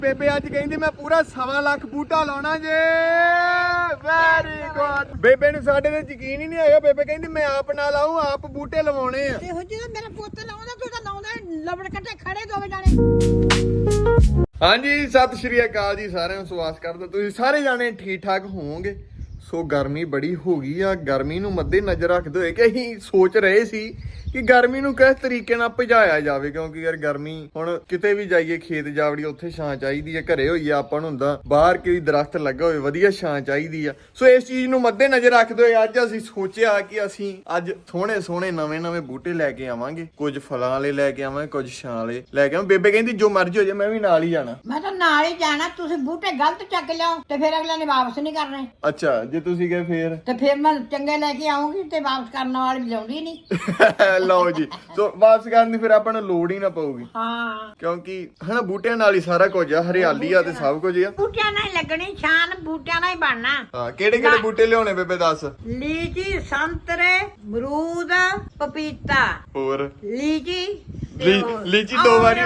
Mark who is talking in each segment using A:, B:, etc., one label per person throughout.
A: ਬੇਬੇ ਅੱਜ ਕਹਿੰਦੀ ਮੈਂ ਪੂਰਾ 1.25 ਲੱਖ ਬੂਟਾ ਲਾਉਣਾ ਜੇ। Very good. ਬੇਬੇ ਨੂੰ ਸਾਡੇ ਤੇ ਯਕੀਨ ਹੀ ਨਹੀਂ ਹੈਗਾ। ਬੇਬੇ ਕਹਿੰਦੀ ਮੈਂ ਆਪ ਨਾ ਲਾਉਂ, ਆਪ ਬੂਟੇ ਲਵਾਉਣੇ ਆ।
B: ਇਹੋ ਜਿਹਾ ਮੇਰਾ ਪੁੱਤ ਲਾਉਂਦਾ, ਤੂੰ ਤਾਂ ਲਾਉਂਦਾ ਲਵੜ ਕੱਟੇ ਖੜੇ ਦੋਵੇਂ ਜਾਣੇ।
A: ਹਾਂਜੀ ਸਤਿ ਸ਼੍ਰੀ ਅਕਾਲ ਜੀ ਸਾਰਿਆਂ ਨੂੰ। ਸਵਾਗਤ ਕਰਦਾ ਤੁਸੀਂ ਸਾਰੇ ਜਾਣੇ ਠੀਕ ਠਾਕ ਹੋਵੋਗੇ। ਸੋ ਗਰਮੀ ਬੜੀ ਹੋ ਗਈ ਆ। ਗਰਮੀ ਨੂੰ ਮੱਦੇ ਨਜ਼ਰ ਰੱਖਦੇ ਹੋਏ ਕਿ ਅਸੀਂ ਸੋਚ ਰਹੇ ਸੀ ਕਿ ਗਰਮੀ ਨੂੰ ਕਿਸ ਤਰੀਕੇ ਨਾਲ ਭਜਾਇਆ ਜਾਵੇ, ਕਿਉਂਕਿ ਯਾਰ ਗਰਮੀ ਹੁਣ ਕਿਤੇ ਵੀ ਜਾਈਏ ਖੇਤ ਜਾਵੜੀ ਉੱਥੇ ਛਾਂ ਚਾਹੀਦੀ ਹੈ। ਘਰੇ ਹੋਈਏ ਆਪਾਂ ਨੂੰ ਹੁੰਦਾ ਬਾਹਰ ਕੋਈ ਦਰਖਤ ਲੱਗਾ ਹੋਵੇ ਵਧੀਆ ਛਾਂ ਚਾਹੀਦੀ ਆ। ਸੋ ਇਸ ਚੀਜ਼ ਨੂੰ ਮੱਦੇ ਨਜ਼ਰ ਰੱਖਦੇ ਹੋਏ ਅੱਜ ਅਸੀਂ ਸੋਚਿਆ ਕਿ ਅਸੀਂ ਅੱਜ ਸੋਹਣੇ ਨਵੇਂ ਬੂਟੇ ਲੈ ਕੇ ਆਵਾਂਗੇ। ਕੁਝ ਫਲਾਂ ਵਾਲੇ ਲੈ ਕੇ ਆਵਾਂਗੇ, ਕੁਝ ਛਾਂ ਵਾਲੇ ਲੈ ਕੇ ਆਵਾਂ। ਬੇਬੇ ਕਹਿੰਦੀ ਜੋ ਮਰਜ਼ੀ ਹੋ ਜਾਏ ਮੈਂ ਵੀ ਨਾਲ ਹੀ ਜਾਣਾ।
B: ਮੈਂ ਤਾਂ ਨਾਲ ਹੀ ਜਾਣਾ। ਤੁਸੀਂ ਬੂਟੇ ਗਲਤ ਚੱਕ ਲਿਆਓ ਤੇ ਫਿਰ ਅਗਲੇ ਨੇ ਵਾਪਸ ਨਹੀਂ ਕਰਨੇ।
A: ਅੱਛਾ ਜੇ ਤੁਸੀਂ ਗਏ ਫੇਰ
B: ਤੇ ਫਿਰ ਮੈਂ ਚੰਗੇ ਲੈ ਕੇ ਆਉਂਗੀ ਤੇ ਵਾਪਸ ਕਰਨ ਵਾਲੀ ਲਿਆਉਂਦੀ ਨਹੀਂ।
A: ਲਓ ਜੀ। ਸੋ ਵਾਪਸ ਕਰਨ ਦੀ ਫਿਰ ਆਪਾਂ ਨੂੰ ਲੋੜ ਹੀ ਨਾ ਪਊਗੀ,
B: ਹਾਂ
A: ਕਿਉਂਕਿ ਹਨਾ ਬੂਟਿਆਂ ਨਾਲ ਹੀ ਸਾਰਾ ਕੁਝ ਆ। ਹਰਿਆਲੀ ਆ ਤੇ ਸਭ ਕੁਝ ਆ।
B: ਬੂਟਿਆਂ ਨਾਲ ਹੀ ਲੱਗਣੀ ਛਾਨ, ਬੂਟਿਆਂ ਨਾਲ ਹੀ ਬਣਨਾ।
A: ਹਾਂ ਕਿਹੜੇ ਬੂਟੇ ਲਿਆਉਣੇ ਬੇਬੇ ਦੱਸ।
B: ਲੀਚੀ, ਸੰਤਰੇ, ਅਮਰੂਦ, ਪਪੀਤਾ।
A: ਹੋਰ
B: ਲੀਚੀ
A: ਲੀਚੀ ਦੋ ਵਾਰੀ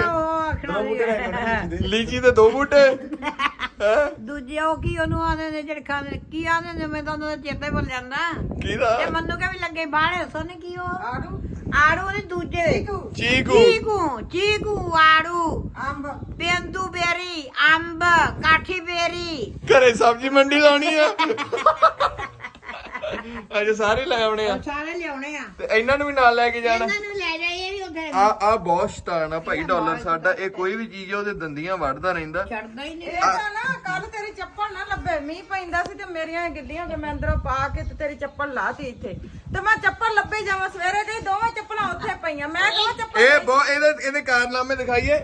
A: ਲੀਚੀ ਤੇ 2 ਬੂਟੇ ਹੈ।
B: ਦੂਜੇ ਉਹ ਕੀ ਉਹਨੂੰ ਆਦੇ ਨੇ ਜਿਹੜੇ ਖਾਂਦੇ ਕੀ ਆਦੇ ਨੇ, ਮੈਂ ਤਾਂ ਉਹਨਾਂ ਦਾ ਚੇਤਾ ਹੀ ਭੁੱਲ ਜਾਂਦਾ।
A: ਕਿਹਦਾ?
B: ਤੇ ਮੰਨੂ ਕੇ ਵੀ ਲੱਗੇ ਬਾਹਲੇ ਸੋਨੇ ਕੀ ਉਹ ਆੜੂ ਦੇ ਦੂਜੇ ਚੀਕੂ ਆੜੂ ਅੰਬ ਪੇਂਦੂ ਬੇਰੀ ਅੰਬ ਕਾਠੀ ਬੇਰੀ।
A: ਘਰੇ ਸਬਜ਼ੀ ਮੰਡੀ ਲਾਉਣੀ ਆ। ਅੱਜ ਸਾਰੇ ਲੈ ਆਉਣੇ ਆ।
B: ਸਾਰੇ ਲਿਆਉਣੇ ਆ
A: ਤੇ ਇਹਨਾਂ ਨੂੰ ਵੀ ਨਾਲ ਲੈ ਕੇ ਜਾਣਾ।
B: ਇਹਨਾਂ ਨੂੰ ਲੈ ਜਾਈਏ ਵੀ ਉੱਥੇ।
A: ਆ ਬਹੁਤ ਸ਼ੈਤਾਨ ਆ ਭਾਈ ਡਾਲਰ ਸਾਡਾ। ਇਹ ਕੋਈ ਵੀ ਚੀਜ਼ ਉਹਦੇ ਦੰਦੀਆਂ ਵੱਢਦਾ ਰਹਿੰਦਾ।
B: ਛੱਡਦਾ ਹੀ ਨਹੀਂ।
C: ਇਹ ਤਾਂ ਨਾ ਕੱਲ ਤੇਰੀ ਚੱਪਲ ਨਾ ਲੱਭੇ। ਮੀਂਹ ਪੈਂਦਾ ਸੀ ਤੇ ਮੇਰੀਆਂ ਗਿੱਲੀਆਂ ਤੇ ਮੈਂ ਅੰਦਰੋਂ ਪਾ ਕੇ ਤੇ ਤੇਰੀ ਚੱਪਲ ਲਾਤੀ ਇੱਥੇ ਤੇ ਮੈਂ ਚੱਪਲ ਲੱਭੇ ਜਾਵਾਂ। ਸਵੇਰੇ ਗਈ ਦੋਵੇਂ ਚੱਪਲਾਂ ਉੱਥੇ ਪਈਆਂ। ਮੈਂ ਕਹਾਂ ਚੱਪਲ
A: ਇਹਦੇ ਕਾਰਨਾਮੇ ਦਿਖਾਈਏ।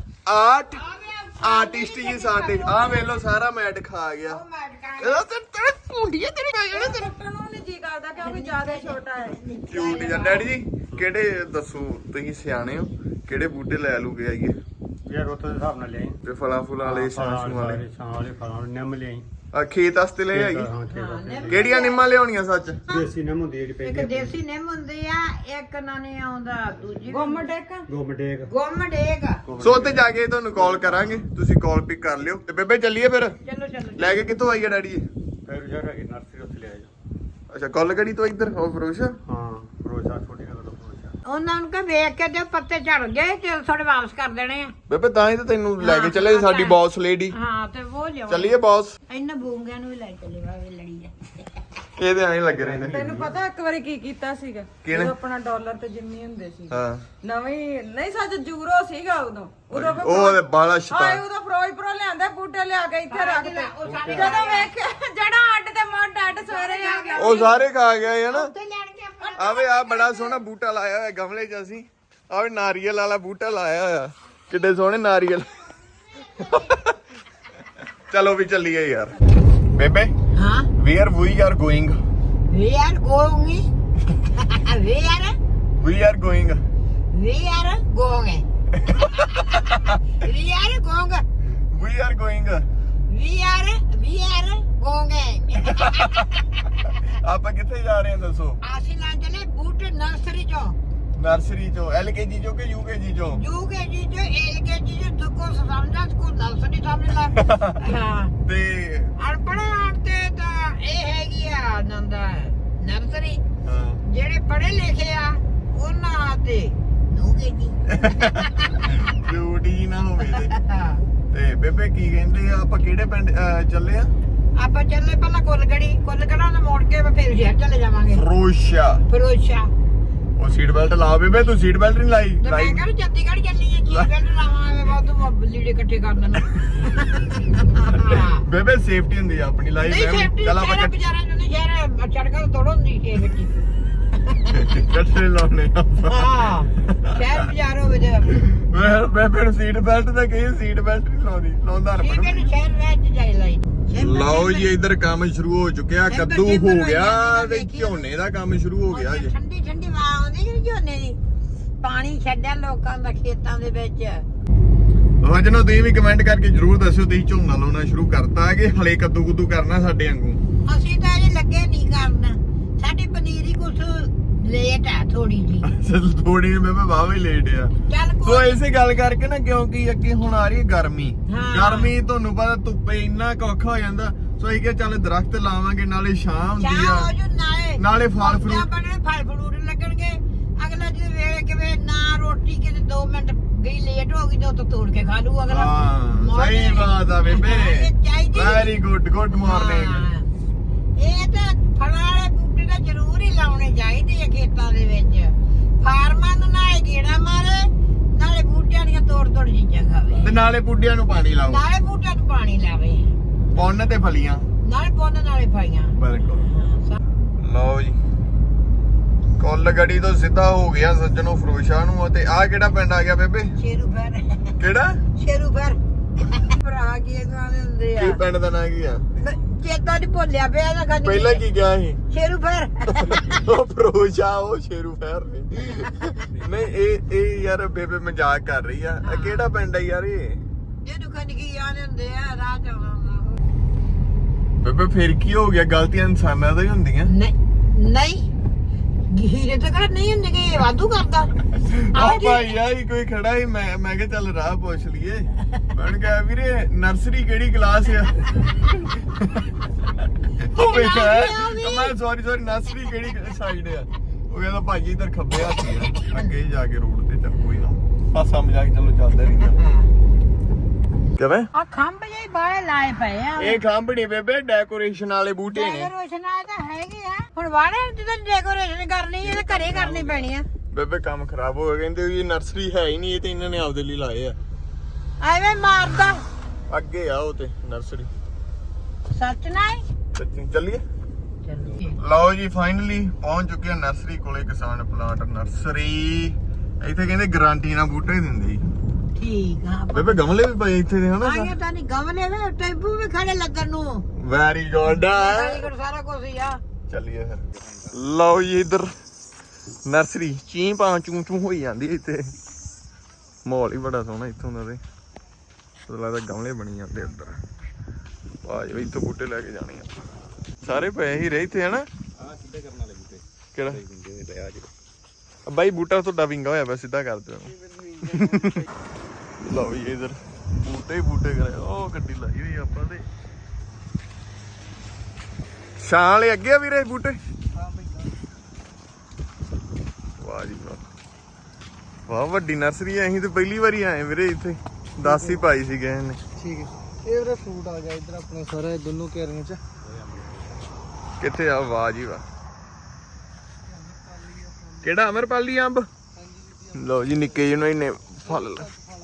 A: ਆਰਟਿਸਟ ਜੀ ਸਾਡੇ। ਆ ਵੇਖ ਲਓ ਸਾਰਾ ਮੈਟ ਖਾ ਗਿਆ। ਇਹਦਾ ਤੇਰੇ ਭੁੰਡੀਏ ਤੇਰੀ ਮੈਂ ਤੇਰੇ
C: ਨੂੰ ਨਹੀਂ ਜੀ ਕਰਦਾ ਕਿਉਂਕਿ ਜ਼ਿਆਦਾ ਛੋਟਾ ਹੈ।
A: ਕਿਊਟ ਜਿਹਾ। ਡੈਡੀ ਜੀ ਕਿਹੜੇ ਦੱਸੋ ਤੁਸੀਂ ਸਿਆਣੇ ਹੋ ਕਿਹੜੇ ਬੂਟੇ ਲੈ ਲੂ ਕੇ ਆਈਏ?
D: ਯਾਰ ਉੱਥੇ ਦੇ ਹਿਸਾਬ ਨਾਲ ਲਿਆਈ।
A: ਤੇ ਫਲਾਂ ਵਾਲੇ ਛਾਂ ਵਾਲੇ
D: ਛਾਂ ਵਾਲੇ ਫਲਾਂ ਵਾਲੇ ਨਿੰਮ ਲਿਆਈ।
A: ਆ ਖੇਤ ਵਾਸਤੇ ਲੈ ਆਈ।
D: ਹਾਂ ਖੇਤ
A: ਕਿਹੜੀਆਂ ਨਿੰਮਾਂ ਲਿਆਉਣੀਆਂ ਸੱਚ?
D: ਦੇਸੀ ਨਿੰਮ ਹੁੰਦੀ ਜਿਹੜੀ
B: ਇੱਕ
D: ਪੈਂਦੀ
B: ਦੇਸੀ ਨਿੰਮ ਹੁੰਦੀ ਆ, ਇੱਕ ਨਾ ਨਹੀਂ ਆਉਂਦਾ ਦੂਜੀ
C: ਗੁੰਮ ਡੇਕ
D: ਗੋਮਟੇਕ।
B: ਗੁੰਮ ਡੇਕ।
A: ਸੋ ਉੱਥੇ ਜਾ ਕੇ ਤੁਹਾਨੂੰ ਕਾਲ ਕਰਾਂਗੇ, ਤੁਸੀਂ ਕਾਲ ਪਿਕ ਕਰ ਲਿਓ। ਤੇ ਬੇਬੇ ਚੱਲੀਏ ਫਿਰ।
B: ਚਲੋ
A: ਲੈ ਕੇ ਕਿੱਥੋਂ ਆਈਏ ਡੈਡੀ ਜੀ?
D: ਫਿਰ ਯਾਰ ਇਹ ਨਰਸਰੀ ਉੱਥੇ ਲਿਆਈ।
A: ਅੱਛਾ ਕੋਲਗੜੀ ਤੋਂ ਇੱਧਰ ਹੋ ਫਰੋਸ਼ਾ।
D: ਹਾਂ ਰੋਜ਼ਾ ਛੋਟੀ ਗੱਲ ਤੋਂ ਰੋਜ਼ਾ।
B: ਉਹਨਾਂ ਨੂੰ ਕਹ ਵੇਖ ਕੇ ਤੇ ਪੱਤੇ ਝੜ ਗਏ ਤੇ ਥੋੜੇ ਵਾਪਸ ਕਰ ਦੇਣੇ ਆ।
A: ਬੇਬੇ ਤਾਂ ਹੀ ਤਾਂ ਤੈਨੂੰ ਲੈ ਕੇ ਚੱਲੇ ਸਾਡੀ ਬੌਸ ਲੇਡੀ।
B: ਹਾਂ ਤੇ ਉਹ ਲਿਆਓ।
A: ਚੱਲੀਏ ਬੌਸ।
B: ਇਹਨਾਂ ਬੂੰਗਿਆਂ ਨੂੰ ਵੀ ਲੈ ਚੱਲੇ ਵਾਵੇ ਲੜੀ ਜਾ।
A: ਇਹਦੇ ਐਂ ਲੱਗੇ ਰਹਿੰਦੇ।
C: ਤੈਨੂੰ ਪਤਾ ਇੱਕ ਵਾਰੀ ਕੀ ਕੀਤਾ ਸੀਗਾ?
A: ਕਿਹਨੇ?
C: ਜਦੋਂ ਆਪਣਾ ਡਾਲਰ ਤੇ ਜਿੰਨੀ ਹੁੰਦੇ ਸੀ
A: ਹਾਂ
C: ਨਵੀਂ ਨਹੀਂ ਸੱਚ ਯੂਰੋ ਸੀਗਾ ਉਦੋਂ
A: ਉਹ ਬਾਲਾ ਸ਼ੈਤਾਨ।
C: ਉਦੋਂ ਫਿਰੋਜ਼ਪੁਰੋਂ ਲਿਆਂਦਾ ਬੂਟੇ ਲਿਆ ਕੇ ਇੱਥੇ ਰੱਖ ਦੇ। ਜਦੋਂ ਵੇਖਿਆ ਜੜਾ ਅੱਡ ਤੇ ਮੋਢ ਅੱਡ ਸਵੇਰੇ ਆ ਗਿਆ।
A: ਉਹ ਸਾਰੇ ਖਾ ਗਏ ਹਨਾ।
B: ਉੱਥੇ ਲੈਣ ਕੇ
A: ਆਵੇ ਆ ਬੜਾ ਸੋਹਣਾ ਬੂਟਾ ਲਾਇਆ ਹੋਇਆ ਗਮਲੇ 'ਚ ਅਸੀਂ। ਆਵੇ ਨਾਰੀਅਲ ਵਾਲਾ ਬੂਟਾ ਲਾਇਆ ਹੋਇਆ। ਕਿੱਡੇ ਸੋਹਣੇ ਨਾਰੀਅਲ। ਚਲੋ ਵੀ ਚੱਲੀਏ ਯਾਰ। ਬੇਬੇ
B: ਹਾਂ
A: we are going
B: we are going we are
A: we are going
B: we are going we are going
A: we are going
B: we are going।
A: ਆਪਾਂ ਕਿੱਥੇ ਜਾ ਰਹੇ ਹਾਂ ਦੱਸੋ?
B: ਅਸੀਂ ਲਾਂ ਚਲੇ ਬੂਟੇ ਨਰਸਰੀ ਚੋਂ।
A: ਨਰਸਰੀ ਚੋਂ LKG ਚੋਂ ਕਿ UKG ਚੋਂ?
B: UKG ਚੋਂ LKG ਚੋਂ ਦੁੱਕੋ ਸਮਝਾ ਸਕੂਲ ਨਰਸਰੀ ਸਮਝ ਲਾ। ਹਾਂ
A: ਤੇ
B: ਅਨਪੜ੍ਹਾਂ ਤੇ ਤਾਂ ਇਹ ਹੈਗੀ ਆ ਨੰਦਾ ਨਰਸਰੀ।
A: ਹਾਂ
B: ਜਿਹੜੇ ਪੜ੍ਹੇ ਲਿਖੇ ਆ ਉਹਨਾਂ ਤੇ UKG।
A: ਡਿਊਟੀ ਨਾ ਹੋਵੇ ਤੇ ਬੇਬੇ ਕੀ ਕਹਿੰਦੇ ਆ? ਆਪਾਂ ਕਿਹੜੇ ਪਿੰਡ ਚੱਲੇ ਆ?
B: ਆਪਾਂ ਚੱਲੇ ਪਹਿਲਾਂ ਕੁੱਲਗੜਾ ਨੂੰ ਮੋੜ ਕੇ ਫਿਰ ਸ਼ਹਿਰ ਚਲੇ ਜਾਵਾਂਗੇ। ਫਿਰੋਜ਼ਸ਼ਾ।
A: ਉਹ ਸੀਟ ਬੈਲਟ ਲਾ ਬੇਬੇ। ਤੂੰ ਸੀਟ ਬੈਲਟ ਨਹੀਂ ਲਾਈ?
B: ਤੇ ਮੈਂ ਕਹਿੰਦਾ ਚੰਡੀਗੜ੍ਹ ਚੱਲੀ ਆ ਕੀ ਬੈਲਟ ਲਾਵਾਂਗੇ ਬਹੁਤ ਲੀੜੇ ਇਕੱਠੇ ਕਰ ਦੇਣਾ।
A: ਬੇਬੇ ਸੇਫਟੀ ਹੁੰਦੀ ਆ ਆਪਣੀ ਲਾਈ।
B: ਨਹੀਂ ਸੇਫਟੀ
A: ਚੱਲ ਆਪਾਂ
B: ਸ਼ਹਿਰ ਬਾਜ਼ਾਰਾਂ ਨੂੰ ਨਹੀਂ ਸ਼ਹਿਰ ਚੜਕਾ ਤੋੜੋ ਨਹੀਂ ਇਹ ਵਿੱਚ।
A: ਇਕੱਠੇ ਲਾਉਣੇ ਆਪਾਂ।
B: ਹਾਂ ਸ਼ਹਿਰ ਬਾਜ਼ਾਰ ਹੋਵੇ ਤੇ
A: ਬੇਬੇ ਨੂੰ ਸੀਟ ਬੈਲਟ ਤਾਂ ਕਹੀ ਸੀਟ ਬੈਲਟ ਨਹੀਂ ਲਾਉਂਦੀ। ਲਾਉਂਦਾ
B: ਠੀਕ ਹੈ ਨਾ ਸ਼ਹਿਰ ਵਿੱਚ ਜਾਈ ਲਈ।
A: ਲਓ ਜੀ ਇੱਧਰ ਕੰਮ ਸ਼ੁਰੂ ਹੋ ਚੁੱਕਿਆ। ਕੱਦੂ ਹੋ ਗਿਆ ਤੇ ਝੋਨੇ ਦਾ ਕੰਮ ਸ਼ੁਰੂ ਹੋ ਗਿਆ ਜੀ।
B: ਠੰਡੀ ਠੰਡੀ ਹਵਾ ਆਉਂਦੀ ਜਿਹੜੀ ਝੋਨੇ ਦੀ। ਪਾਣੀ ਛੱਡਿਆ ਲੋਕਾਂ ਦਾ ਖੇਤਾਂ ਦੇ ਵਿੱਚ।
A: ਵਜਨੋ ਤੁਸੀਂ ਵੀ ਕਮੈਂਟ ਕਰਕੇ ਜਰੂਰ ਦੱਸਿਓ ਤੁਸੀਂ ਝੋਨਾ ਲਾਉਣਾ ਸ਼ੁਰੂ ਕਰਤਾ ਕਿ ਹਲੇ ਕੱਦੂ ਕਰਨਾ ਸਾਡੇ ਵਾਂਗੂ?
B: ਅਸੀਂ ਤਾਂ ਅਜੇ ਲੱਗੇ ਨਹੀਂ ਕਰਨ। ਸਾਡੀ ਪਨੀਰੀ ਕੁਛ ਲੇਟ ਆ ਥੋੜੀ ਜੀ।
A: ਚਲ ਥੋੜੀ ਮੈਂ ਬਾਵਾ ਹੀ ਲੇਟ ਆ।
B: ਚੱਲ
A: ਸੋ
B: ਕੋਈ
A: ਇਸੇ ਗੱਲ ਕਰਕੇ ਨਾ ਕਿਉਂਕਿ ਅੱਗੇ ਹੁਣ ਆ ਰਹੀ ਹੈ ਗਰਮੀ।
B: ਹਾਂ।
A: ਗਰਮੀ ਤੁਹਾਨੂੰ ਪਤਾ ਧੁੱਪੇ ਇੰਨਾ ਕੁ ਔਖਾ ਹੋ ਜਾਂਦਾ। ਸੋ ਇਹ ਕਿ ਚੱਲ ਦਰਖਤ ਲਾਵਾਂਗੇ ਨਾਲੇ ਛਾਂ ਹੁੰਦੀ
B: ਚਾਹ ਹੋ
A: ਆ
B: ਜੂ
A: ਨਾਲੇ ਫਲ ਫਰੂਟ
B: ਬਣੇ ਫਲ ਫਰੂਟ ਲੱਗਣਗੇ। ਅਗਲਾ ਜੇ ਵੇਲੇ ਕਿਵੇਂ ਨਾ ਰੋਟੀ ਕਿਤੇ 2 ਮਿੰਟ ਗਈ ਲੇਟ ਹੋ ਗਈ ਤੇ ਉਹ ਤੋੜ ਕੇ ਖਾ ਲੂ ਅਗਲਾ।
A: ਹਾਂ ਸਹੀ ਬਾਤ ਆ ਬੇਬੇ। Very good good morning.
B: ਹਾਂ, ਇਹ ਤਾਂ ਫਲਾਂ ਵਾਲੇ ਬੂਟੇ ਤਾਂ ਜ਼ਰੂਰ ਹੀ ਲਾਉਣੇ ਚਾਹੀਦੇ ਆ ਖੇਤਾਂ ਦੇ ਵਿੱਚ। ਫਾਰਮਾਂ ਨੂੰ ਨਾਲੇ ਗੇੜਾ ਮਾਰੇ ਨਾਲੇ ਬੂਟਿਆਂ ਦੀਆਂ ਤੋੜ ਚੀਜ਼ਾਂ ਖਾਵੇ
A: ਤੇ ਨਾਲੇ ਬੁੱਢਿਆਂ ਨੂੰ ਪਾਣੀ ਲਾਓ
B: ਨਾਲੇ ਬੂਟਿਆਂ ਨੂੰ ਪਾਣੀ ਲਾਵੇ
A: ਪੁੰਨ ਤੇ ਫਲੀਆਂ।
B: ਨਾਲੇ ਪੁੰਨ ਨਾਲੇ ਪਾਈਆਂ।
A: ਬਿਲਕੁਲ। ਲਓ ਜੀ ਕੁੱਲ ਗੜੀ ਤੋਂ ਸਿੱਧਾ ਹੋ ਗਿਆ ਸੱਜਣੋ ਫਿਰੋਜ਼ਸ਼ਾਹ ਨੂੰ। ਤੇ ਆਹ ਕਿਹੜਾ ਪਿੰਡ ਆ ਗਿਆ ਬੇਬੇ?
B: ਸ਼ੇਰੂ ਫਰ
A: ਕਿਹੜਾ?
B: ਸ਼ੇਰੂ ਫਰ ਭਰਾ ਕੀ ਇਹਨਾਂ ਦੇ ਹੁੰਦੇ
A: ਕੀ
B: ਆ
A: ਪਿੰਡ ਦਾ ਨਾਂ ਕੀ ਆ?
B: ਚੇਤਾ ਨਹੀਂ ਭੁੱਲਿਆ ਪਿਆ ਇਹਦਾ ਖਾਲੀ।
A: ਪਹਿਲਾਂ ਕੀ ਗਿਆ ਸੀ?
B: ਸ਼ੇਰੂ ਫਰ
A: ਉਹ ਫਿਰੋਜ਼ਸ਼ਾਹ ਉਹ ਸ਼ੇਰੂ ਫੈਰ ਨਹੀਂ ਇਹ ਯਾਰ ਬੇਬੇ ਮਜ਼ਾਕ ਕਰ ਰਹੀ ਆ। ਇਹ ਕਿਹੜਾ ਪਿੰਡ ਆ ਯਾਰ ਇਹ?
B: ਇਹਨੂੰ ਖੰਡਕੀ ਆਨੇ ਹੁੰਦੇ ਆ ਰਾਹ ਚ ਆਉਂਦਾ।
A: ਬੇਬੇ ਫਿਰ ਕੀ ਹੋ ਗਿਆ? ਗਲਤੀਆਂ ਇਨਸਾਨਾਂ ਤੋਂ ਹੀ ਹੁੰਦੀਆਂ।
B: ਨਹੀਂ ਹੀਰੇ ਤਾਂ ਕਰ ਨਹੀਂ ਹੁੰਦੇ ਕਿ ਵਾਧੂ ਕਰਦਾ।
A: ਆ ਭਾਈ ਆ ਹੀ ਕੋਈ ਖੜਾ ਹੀ ਮੈਂ ਕਿਹਾ ਚੱਲ ਰਾਹ ਪੁੱਛ ਲਈਏ। ਮੈਂ ਕਿਹਾ ਵੀਰੇ ਨਰਸਰੀ ਕਿਹੜੀ ਕਲਾਸ ਆ? ਉਹ ਵੇਖਿਆ ਮੈਂ ਸੌਰੀ ਨਰਸਰੀ ਕਿਹੜੀ ਸਾਈਡ ਆ? ਉਹ ਕਹਿੰਦਾ ਭਾਜੀ ਇਧਰ ਖੱਬੇ ਹੱਥ ਆ ਅੱਗੇ ਜਾ ਕੇ ਰੋਡ ਤੇ। ਚੱਲ ਕੋਈ ਨਾ ਹਾਸਾ ਮਜ਼ਾਕ ਚਲੋ ਚੱਲਦਾ ਰਹਿੰਦਾ। ਕਿਵੇਂ
B: ਆ ਖੰਭ ਜਿਹੇ ਬਾਲੇ ਲਾਏ ਪਏ ਆ।
A: ਇਹ ਖੰਭ ਨੀ ਬੇਬੇ ਡੈਕੋਰੇਸ਼ਨ ਵਾਲੇ ਬੂਟੇ ਨੇ।
B: ਡੈਕੋਰੇਸ਼ਨ ਆ ਤਾਂ ਹੈਗੇ ਆ। ਹੁਣ ਵਾੜੇ ਜਦੋਂ ਡੈਕੋਰੇਸ਼ਨ ਕਰਨੀ ਇਹ ਤਾਂ ਘਰੇ ਕਰਨੀ ਪੈਣੀ ਆ।
A: ਬੇਬੇ ਕੰਮ ਖਰਾਬ ਹੋ ਗਿਆ। ਕਹਿੰਦੇ ਵੀ ਨਰਸਰੀ ਹੈ ਹੀ ਨਹੀਂ ਇਹ ਤੇ ਇਹਨਾਂ ਨੇ ਆਪਦੇ ਲਈ ਲਾਏ ਆ।
B: ਐਵੇਂ ਮਾਰਦਾ
A: ਅੱਗੇ ਆ ਉਹ ਤੇ ਨਰਸਰੀ।
B: ਸੱਚ ਨਾ
A: ਚੱਲੀਏ।
B: ਚੱਲੀਏ।
A: ਲਓ ਜੀ ਫਾਈਨਲੀ ਪਹੁੰਚ ਚੁੱਕੇ ਆ ਨਰਸਰੀ ਕੋਲੇ। ਕਿਸਾਨ ਪਲਾਂਟ ਨਰਸਰੀ। ਇੱਥੇ ਕਹਿੰਦੇ ਗਾਰੰਟੀ ਨਾਲ ਬੂਟੇ ਦਿੰਦੇ ਜੀ।
B: ਠੀਕ ਆ
A: ਬੇਬੇ ਗਮਲੇ ਵੀ ਪਏ ਇੱਥੇ ਦੇ ਹਨਾ।
B: ਆਇਆ ਤਾਂ ਨਹੀਂ ਗਮਲੇ ਵੇ ਟੈਂਪੂ ਵੀ ਖੜੇ ਲੱਗਣ ਨੂੰ।
A: Very good.
B: ਸਾਰਾ ਕੁਝ ਹੀ ਆ।
A: ਚੱਲੀਏ ਫਿਰ। ਲਓ ਜੀ ਇੱਧਰ ਨਰਸਰੀ ਚੀਂ ਪਾਂ ਚੂੰ ਚੂੰ ਹੋਈ ਜਾਂਦੀ ਇੱਥੇ। ਮਾਹੌਲ ਹੀ ਬੜਾ ਸੋਹਣਾ ਇੱਥੋਂ ਦਾ। ਤੇ ਲੱਗਦਾ ਗਮਲੇ ਬਣੀ ਜਾਂਦੇ ਉੱਧਰ। ਆ ਜਾਓ ਇੱਥੋਂ ਬੂਟੇ ਲੈ ਕੇ ਜਾਣੇ ਆ। ਸਾਰੇ ਪਏ ਹੀ ਰਹੇ ਇੱਥੇ ਹਨਾ।
D: ਆ ਸਿੱਧੇ ਕਰਨ ਵਾਲੇ ਬੂਟੇ
A: ਕਿਹੜਾ
D: ਵਿੰਗੇ ਲੈ ਆ ਜੀ।
A: ਬਾਈ ਬੂਟਾ ਤੁਹਾਡਾ ਵਿੰਗਾ ਹੋਇਆ ਪਿਆ ਸਿੱਧਾ ਕਰ ਦਿਓ। ਲਓ ਜੀ ਇਧਰ ਬੂਟੇ ਹੀ ਬੂਟੇ ਕਰੇ। ਉਹ ਗੱਡੀ ਲਾਈ ਹੋਈ ਆਪਾਂ ਤੇ ਛਾਂ ਵਾਲੇ ਅੱਗੇ ਆ ਵੀਰੇ ਬੂਟੇ। ਵਾਹ ਜੀ ਵਾਹ ਵਾਹ ਵੱਡੀ ਨਰਸਰੀ ਆ। ਅਸੀਂ ਤੇ ਪਹਿਲੀ ਵਾਰੀ ਆਏ ਵੀਰੇ ਇੱਥੇ। 10 ਹੀ ਪਾਈ ਸੀ ਗਏ ਨੇ।
E: ਠੀਕ ਹੈ ਇਹ ਵੀਰੇ ਫਰੂਟ ਆ ਗਿਆ ਇੱਧਰ ਆਪਣੇ ਸਾਰਾ ਦੋਨੋਂ ਘੇਰਿਆਂ ਚ।
A: ਕਿੱਥੇ ਆ? ਵਾਹ ਜੀ ਵਾਹ ਕਿਹੜਾ ਅਮਰਪਾਲੀ ਅੰਬ? ਲਓ ਜੀ ਨਿੱਕੇ ਜਿਹੇ ਨੂੰ ਇਹਨੇ ਫਲ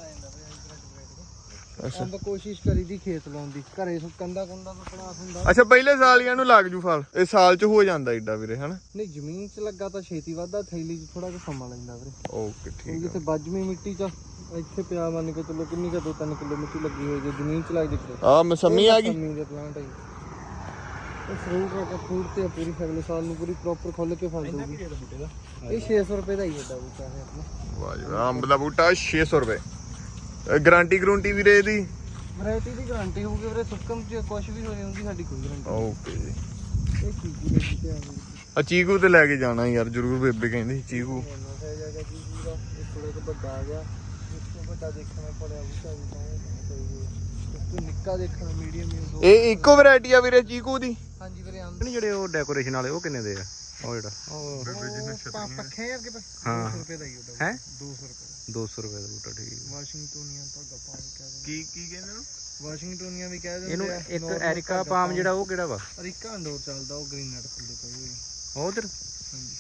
A: ਅੱਛਾ
E: ਅੰਬ ਕੋਸ਼ਿਸ਼ ਕਰੀ ਦੀ ਖੇਤ ਲਾਉਣ ਦੀ। ਘਰੇ ਕੰਦਾ ਤੋਂ ਪੜਾਸ ਹੁੰਦਾ।
A: ਅੱਛਾ ਪਹਿਲੇ ਸਾਲ ਹੀ ਇਹਨੂੰ ਲੱਗ ਜੂ ਫਲ। ਇਹ ਸਾਲ ਚ ਹੋ ਜਾਂਦਾ ਏਡਾ ਵੀਰੇ ਹਨਾ।
E: ਨਹੀਂ ਜ਼ਮੀਨ 'ਚ ਲੱਗਾ ਤਾਂ ਛੇਤੀ ਵੱਧਦਾ। ਥੈਲੀ 'ਚ ਥੋੜਾ ਜਿਹਾ ਸਮਾਂ ਲੈਂਦਾ ਵੀਰੇ।
A: ਓਕੇ ਠੀਕ
E: ਜਿੱਥੇ ਵੱਜਵੀਂ ਮਿੱਟੀ 'ਚ ਇੱਥੇ ਪਿਆ ਮੰਨ ਕੇ ਚਲੋ ਕਿੰਨੀ ਕੁ 2-3 ਕਿਲੋ ਮਿੱਟੀ ਲੱਗੀ ਹੋਈ ਜੇ ਜ਼ਮੀਨ 'ਚ ਲੱਗ ਜੇ।
A: ਆ ਮਸੰਮੀ ਆ ਗਈ।
E: ਮਸੰਮੀ ਦੇ ਪਲਾਂਟ ਹੈ ਇਹ ਫਰੂਟ ਤੇ ਪੂਰੀ ਫੈਮਿਲੀ ਸਾਲ ਨੂੰ ਪੂਰੀ ਪ੍ਰੋਪਰ ਖੁੱਲ ਕੇ ਫਲ ਦਊਗੀ। ਇਹ 600 ਰੁਪਏ ਦਾ ਹੀ ਹੈ ਬੂਟਾ ਹੈ ਆਪਣਾ।
A: ਵਾਹ ਜੀ ਵਾਹ ਅੰਬ ਦਾ ਬੂਟਾ 600 ਰੁਪਏ। ਗਾਰੰਟੀ ਗਰੰਟੀ ਵੀਰੇ ਇਹਦੀ?
E: ਵੈਰਾਈਟੀ ਦੀ ਗਾਰੰਟੀ ਹੋਊਗੀ ਵੀਰੇ। ਸੁੱਕਮ 'ਚ ਕੁਝ ਵੀ ਹੋ ਜਾਂਦੀ ਸਾਡੀ ਕੋਈ ਗਾਰੰਟੀ।
A: ਓਕੇ ਜੀ।
E: ਇਹ ਚੀਕੂ ਦੇ ਬੂਟੇ ਆ ਜੀ।
A: ਆ ਚੀਕੂ ਤੇ ਲੈ ਕੇ ਜਾਣਾ ਯਾਰ ਜਰੂਰ। ਬੇਬੇ ਕਹਿੰਦੀ ਚੀਕੂ।
E: ਥੋੜਾ ਜਿਹਾ ਵੱਡਾ ਆ ਗਿਆ। ਇਸ ਤੋਂ ਵੱਡਾ ਦੇਖਣਾ ਪੜਿਆ ਬੂਟਾ ਵੀ ਤਾਂ ਇਸ ਤੋਂ ਨਿੱਕਾ ਦੇਖਣਾ ਮੀਡੀਅਮ ਹੀ।
A: ਇਹ ਇੱਕੋ ਵੈਰਾਈਟੀ ਆ ਵੀਰੇ ਚੀਕੂ ਦੀ?
E: ਹਾਂਜੀ ਵੀਰੇ ਆਮ
D: ਨਹੀਂ ਜਿਹੜੇ ਉਹ ਡੈਕੋਰੇਸ਼ਨ ਵਾਲੇ ਉਹ ਕਿੰਨੇ ਦੇ ਆ? ਉਹ ਜਿਹੜਾ
E: ਪੱਖੇ ਯਾਰ ਕੇ
D: ਹਾਂ
E: 200 ਰੁਪਏ ਦਾ ਹੀ ਉਹਦਾ।
D: ਹੈ
E: 200 ਰੁਪਏ
D: 200 ਰੁਪਏ ਦਾ ਬੂਟਾ। ਠੀਕ
E: ਵਾਸ਼ਿੰਗਟੋਨੀਆ ਤਾਂ ਗੱਪਾਂ ਵੀ ਕਹਿ ਦਿੰਦੇ।
A: ਕੀ ਕਹਿੰਦੇ ਨੂੰ?
E: ਵਾਸ਼ਿੰਗਟੋਨੀਆ ਵੀ ਕਹਿ ਦਿੰਦੇ
D: ਇਹਨੂੰ
E: ਆ।
D: ਇੱਕ
E: Normal
D: ਐਰਿਕਾ ਪਾਮ ਜਿਹੜਾ ਉਹ ਕਿਹੜਾ ਵਾ?
E: ਅਰੀਕਾ ਅੰਡੋਰ ਚੱਲਦਾ ਉਹ ਗ੍ਰੀਨ ਨਟ ਫੁੱਲ ਪਈ ਹੋਈ।
D: ਉਹ ਉਧਰ
E: ਹਾਂਜੀ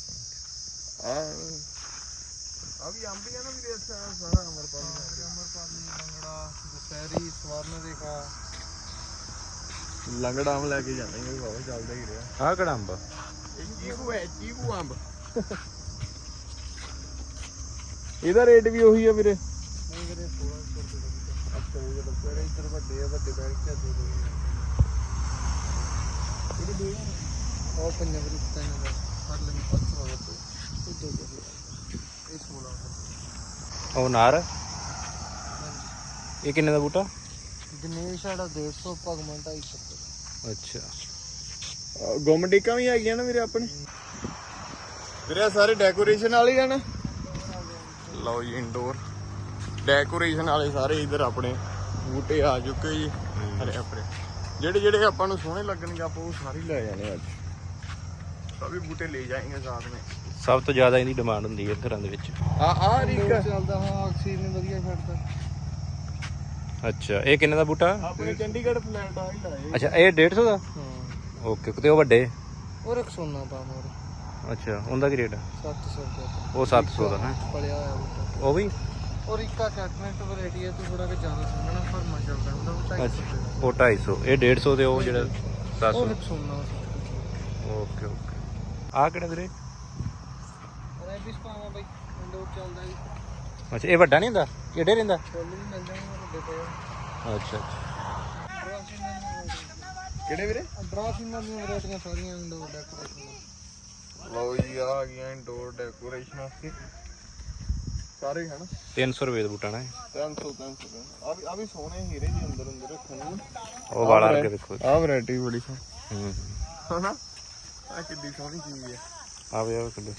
A: ਆ ਵੀ ਅੰਬ ਹੀ ਆ ਨਾ ਵੀਰੇ। ਅੱਛਾ ਸਾਰਾ ਅਮਰਪਾਲੀ
E: ਲੰਗੜਾ ਦੁਸਹਿਰੀ ਸਵਰਨ ਰੇਖਾ।
A: ਲੰਗੜਾ ਅੰਬ ਲੈ ਕੇ ਜਾਣਾ ਬਾਬਾ ਚੱਲਦਾ ਹੀ ਰਿਹਾ।
D: ਆਹ ਕਿਹੜਾ ਅੰਬ ਆ?
A: ਇਹ ਚੀਕੂ ਹੈ ਚੀਕੂ ਅੰਬ। ਇਹਦਾ ਰੇਟ ਵੀ ਉਹੀ ਆ ਵੀਰੇ?
E: ਨਹੀਂ ਵੀਰੇ 1600 ਰੁਪਏ ਦਾ ਬੂਟਾ। ਅੱਛਾ ਇਹ ਜਦੋਂ ਫਿਰ ਇੱਧਰ ਵੱਡੇ ਆ ਵੱਡੇ ਬੈਠ ਕੇ ਦੇ ਦੋ। ਇਹ ਦੇ ਉਹ ਪੰਜਾਂ ਦੇ ਰੁਪਏ ਦਾ ਫੜ ਲੈ 500 ਰੁਪਏ ਇਹ ਦੋ ਦੇ ਇਹ 1600।
D: ਉਹ ਨਾਰ ਇਹ ਕਿੰਨੇ ਦਾ ਬੂਟਾ?
E: ਦਿਨੇਸ਼ ਸਾਡਾ 150 ਭਗਵਾਨ 250 ਰੁਪਏ।
D: ਅੱਛਾ
A: ਗੋਮਡਿਕਾਂ ਵੀ ਹੈਗੀਆਂ ਨਾ ਵੀਰੇ ਆਪਣੇ। ਵੀਰੇ ਸਾਰੇ ਡੈਕੋਰੇਸ਼ਨ ਵਾਲੇ ਆ ਨਾ। ਲਓ ਜੀ ਇੰਡੋਰ ਡੈਕੋਰੇਸ਼ਨ ਵਾਲੇ ਸਾਰੇ ਇਧਰ ਆਪਣੇ ਬੂਟੇ ਆ ਚੁੱਕੇ ਜੀ। ਅਰੇ ਆਪਣੇ ਜਿਹੜੇ ਆਪਾਂ ਨੂੰ ਸੋਹਣੇ ਲੱਗਣਗੇ ਆਪਾਂ ਉਹ ਸਾਰੇ ਲੈ ਜਾਣੇ ਅੱਜ। ਸਭੀ ਬੂਟੇ ਲੈ ਜਾਏਂਗੇ ਸਾਥ ਵਿੱਚ।
D: ਸਭ ਤੋਂ ਜ਼ਿਆਦਾ ਇਹਦੀ ਡਿਮਾਂਡ ਹੁੰਦੀ ਹੈ ਘਰਾਂ ਦੇ ਵਿੱਚ।
A: ਆ ਰੀਕਾ
E: ਚੱਲਦਾ ਹਾਂ ਆਕਸੀਜਨ ਵਧੀਆ ਛੱਡਦਾ।
D: ਅੱਛਾ ਇਹ ਕਿੰਨੇ ਦਾ ਬੂਟਾ?
A: ਆਪਣੇ ਚੰਡੀਗੜ੍ਹ ਫਲੈਟ ਆ ਹੀ ਲਾਏ।
D: ਅੱਛਾ ਇਹ 150 ਦਾ?
E: ਹਾਂ
D: ਓਕੇ ਤੇ ਉਹ ਵੱਡੇ?
E: ਉਹ ਇੱਕ ਸੋਨਾ ਪਾ ਮੋਰ
D: ਅੱਛਾ ਉਹਦਾ ਕੀ ਰੇਟ ਆ?
E: 700 ਰੁਪਏ
D: ਉਹ 700 ਦਾ ਹੈ।
E: ਪਲਿਆ ਹੋਇਆ ਬੂਟਾ।
D: ਉਹ ਵੀ
E: ਔਰ ਇੱਕਾ ਕੈਟਨਟ ਵੈਰਾਈਟੀ ਹੈ, ਤੂੰ ਥੋੜਾ ਕਿ ਜ਼ਿਆਦਾ ਸੋਹਣਾ ਫਰਮਾ ਚੱਲਦਾ ਹੁੰਦਾ ਉਹ 250
D: ਅੱਛਾ ਉਹ 250 ਇਹ 150 ਤੇ ਉਹ ਜਿਹੜਾ 700।
E: ਉਹ ਇੱਕ ਸੋਨਾ
D: ਓਕੇ ਓਕੇ। ਆਹ ਕਿਹੜਾ ਵੀਰੇ?
E: ਰੈਬਿਸ ਪਾਵਾਂ ਬਾਈ ਇੰਡੋਰ ਚੱਲਦਾ ਜੀ।
D: ਅੱਛਾ ਇਹ ਵੱਡਾ ਨਹੀਂ ਹੁੰਦਾ ਕਿਹੜੇ ਰਹਿੰਦਾ?
E: ਫੁੱਲ ਵੀ ਮਿਲ ਜਾਣਗੇ ਵੱਡੇ ਪਏ।
D: ਅੱਛਾ
A: ਕਿਹੜੇ ਵੀਰੇ?
E: ਡਰਾਫਿੰਗਾਂ ਦੀਆਂ ਵੈਰਾਈਟੀਆਂ ਸਾਰੀਆਂ ਇੰਡੋਰ ਡੈਕੋਰੇਸ਼ਨ।
A: ਲਓ ਜੀ ਆ ਗਈਆਂ ਇੰਡੋਰ ਡੈਕੋਰੇਸ਼ਨ ਵਾਸਤੇ ਸਾਰੇ ਹਨ।
D: 300 ਰੁਪਏ ਦਾ ਬੂਟਾ ਨਾ ਇਹ।
A: 300 ਆ ਵੀ ਸੋਹਣੇ ਹੀਰੇ ਜੀ ਅੰਦਰ ਰੱਖਣ ਨੂੰ।
D: ਉਹ ਵਾਲਾ ਕਰਕੇ ਦੇਖੋ।
A: ਆ ਵੈਰਾਈਟੀ ਬੜੀ
D: ਹੂੰ
A: ਹਨਾ। ਆ ਕਿੱਡੀ ਸੋਹਣੀ ਚੀਜ਼ ਹੈ।
D: ਆਵੇ ਆਵੇ ਕੱਢੋ।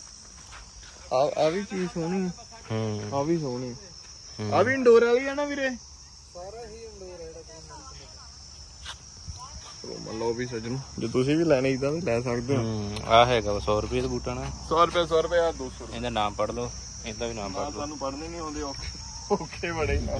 A: ਆ ਵੀ ਚੀਜ਼ ਸੋਹਣੀ ਹੈ।
D: ਹੂੰ
A: ਆ ਵੀ ਸੋਹਣੀ ਆ ਵੀ ਇੰਡੋਰ ਵਾਲੀ ਆ ਨਾ ਵੀਰੇ।
E: ਸਾਰਾ ਹੀ ਇੰਡੋਰ ਹੈ
A: ਚਲੋ ਮੰਨ ਲਓ ਵੀ ਸੱਜਣੋ ਜੇ ਤੁਸੀਂ ਵੀ ਲੈਣੇ ਇਦਾਂ ਵੀ ਲੈ ਸਕਦੇ ਹੋ।
D: ਆ ਹੈਗਾ 100 ਰੁਪਏ ਦਾ ਬੂਟਾ ਨਾ।
A: 100 ਰੁਪਏ ਆ 200
D: ਇਹਦਾ ਨਾਮ ਪੜ ਲਓ ਇਹਦਾ ਵੀ ਨਾਮ ਪੜ ਲਓ।
A: ਤੁਹਾਨੂੰ ਪੜ੍ਹਨੇ ਨਹੀਂ ਆਉਂਦੇ ਔਖੇ ਬੜੇ ਨਾ।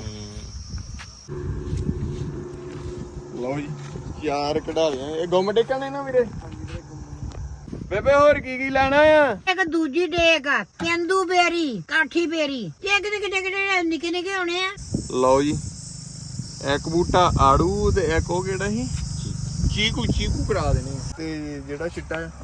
A: ਲਓ ਜੀ ਚਾਰ ਕਢਾ ਲਿਆ ਇਹ ਗੁੰਮ ਡੇਕਾਂ ਨੇ ਨਾ ਵੀਰੇ। ਬੇਬੇ ਹੋਰ ਕੀ ਲੈਣਾ ਆ?
B: ਇੱਕ ਦੂਜੀ ਡੇਕ ਕੇਂਦੂ ਬੇਰੀ ਕਾਠੀ ਬੇਰੀ ਇਹ ਕਿਹੜੇ ਨਿੱਕੇ ਨਿੱਕੇ ਹੋਣੇ ਆ।
A: ਲਓ ਜੀ ਇੱਕ ਬੂਟਾ ਆੜੂ ਤੇ ਇੱਕ ਉਹ ਕਿਹੜਾ ਸੀ ਚੀਕੂ ਕਰਾ ਦੇਣੇ ਤੇ ਜਿਹੜਾ ਚਿੱਟਾ ਆ।